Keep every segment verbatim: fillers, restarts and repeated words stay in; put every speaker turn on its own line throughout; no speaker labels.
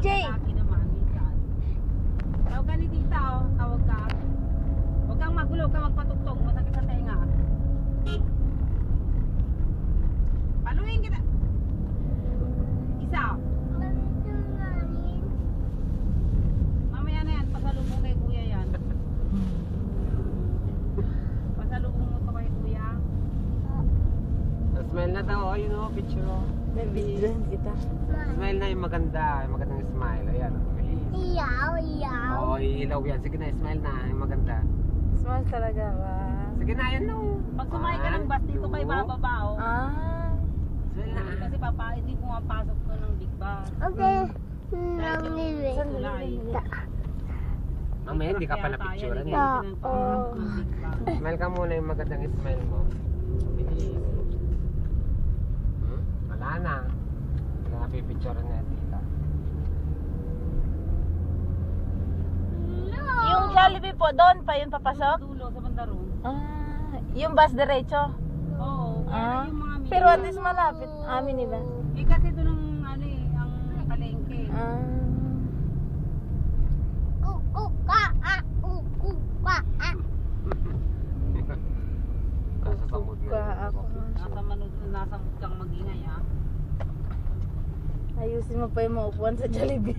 J.
Tawag ka ni tita, oh. Tawag ka. Huwag kang magulo, huwag kang magpatugtog. Masakit sa tenga. Paluin kita. Isa. Mamaya na yan, pasalubong kay kuya yan. Pasalubong mo to kay kuya.
Smile na daw, oh, yun o, picture o.
Nabidyan kita.
Smile na yung maganda, yung magandang smile. Ayan, bilis.
Iyaw, iyaw.
Oo, iilaw yan. Sige na, smile na, yung maganda.
Smile talaga ba?
Sige na, yan no.
Pag sumakay ka ng bus dito kay bababa, oh.
Ah.
Smile na.
Kasi papa, hindi pumapasok to ng big bus.
Okay.
Dahil yung tulay.
Mamaya, hindi ka pala picturean eh.
Oo.
Smile ka muna yung magandang smile mo. Bilis. Hmm? Wala na. Hindi na pipicturean na tita.
Yung Jollibee po, doon pa yun papasok?
Dulo sa bandaro.
Ah. Yung bus diretso?
Oo.
Ah.
Yung mga
Pero at least malapit. Amin nila.
Eh kasi doon ang ano eh, ang palengke.
Ah.
Kukuka, ah, kukuka, ah.
Nasa samod na.
Kuka ako.
Nasa manood, nasa kang magingay ha.
Ayusin mo pa yung maupuan sa Jollibee.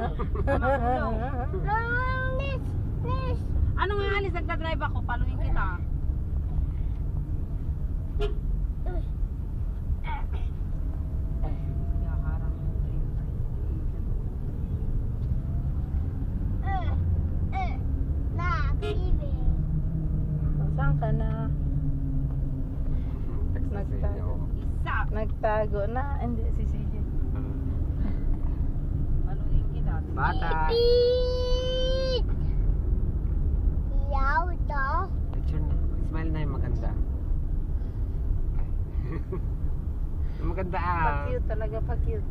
Miss, miss.
Ano nga alis, nagdadrive ako, paluin kita. Yaharang mo rin.
Eh, eh, na, baby.
Saan ka na?
Text na sa inyo.
Isa.
Nagtago na. Hindi, si C J.
Paluin kita.
Bata.
Beep. Iyaw to.
Picture na. Smile na yung maganda. Yung maganda ah.
Pa-cute talaga, pa-cute.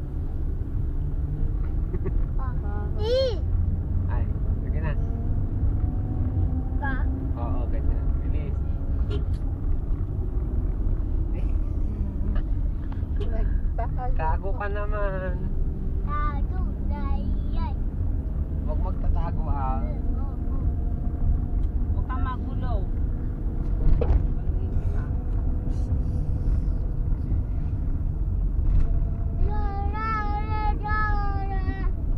Ah.
Eh,
Ay, sige na.
ka.
Oo, ganyan. Bilis.
Nagtago.
Tago ka naman.
Tago na yan.
Huwag magtatago ah.
Huwag kang magulo. Paluin kita.
La, la, la, la, la.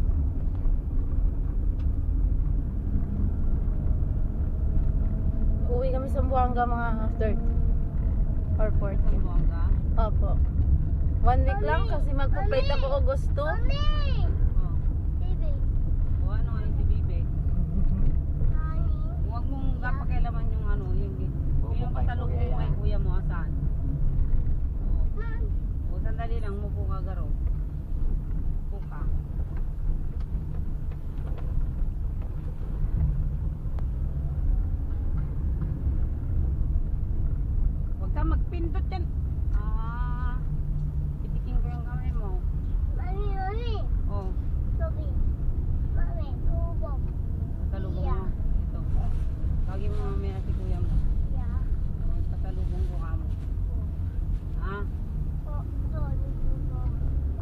Uwi kami sa Buanga mga third or fourth.
Buwanga.
Opo. One week lang kasi magpo-plate ako August two.
Mami!
Oh.
Baby.
O ano nga yung si Bibe?
Honey.
Huwag mong pakialaman yung ano, yung yung pasalubong mo kay kuya mo, asan? O, o sandali lang, mupo ka garo. Mupo ka. Huwag kang magpindot yan. Ah, itikin ko yung kamay mo.
Mami, mami.
O,
Baby. Mami, tubog.
pasalubong mo. Ito. Tawagin mo mamaya si kuya mo.
Yeah.
O, pasalubong ko ka mo. Ha?
Oh, sorry, tubog.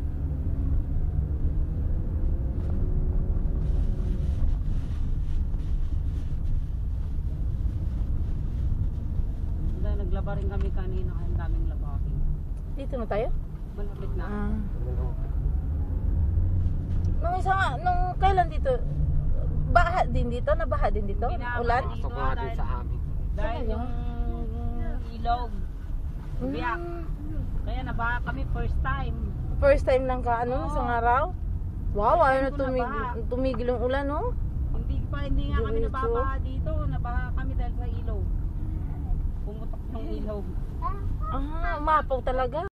Dahil naglaba rin kami kanina, kaya ang daming labahin.
Dito na tayo?
Malapit na.
Ah. Nung isa nga, nung kailan dito? Baha din dito? Nabaha din dito?
Binaha
Ulan?
dito.
Pasok nga din sa amin.
Dahil
Talaga?
yung ilog. Biyak.
Mm.
Kaya nabaha kami first time.
First time lang ka, ano,
Oo.
isang araw? Wow,
First
ayaw
time
na
ko
tumigil,
nabaha.
tumigil yung ulan, no?
Hindi pa, hindi nga kami
Diretso.
nababaha dito. Nabaha kami dahil sa ilog. Pumutok yung ilog.
Ah, umapaw talaga.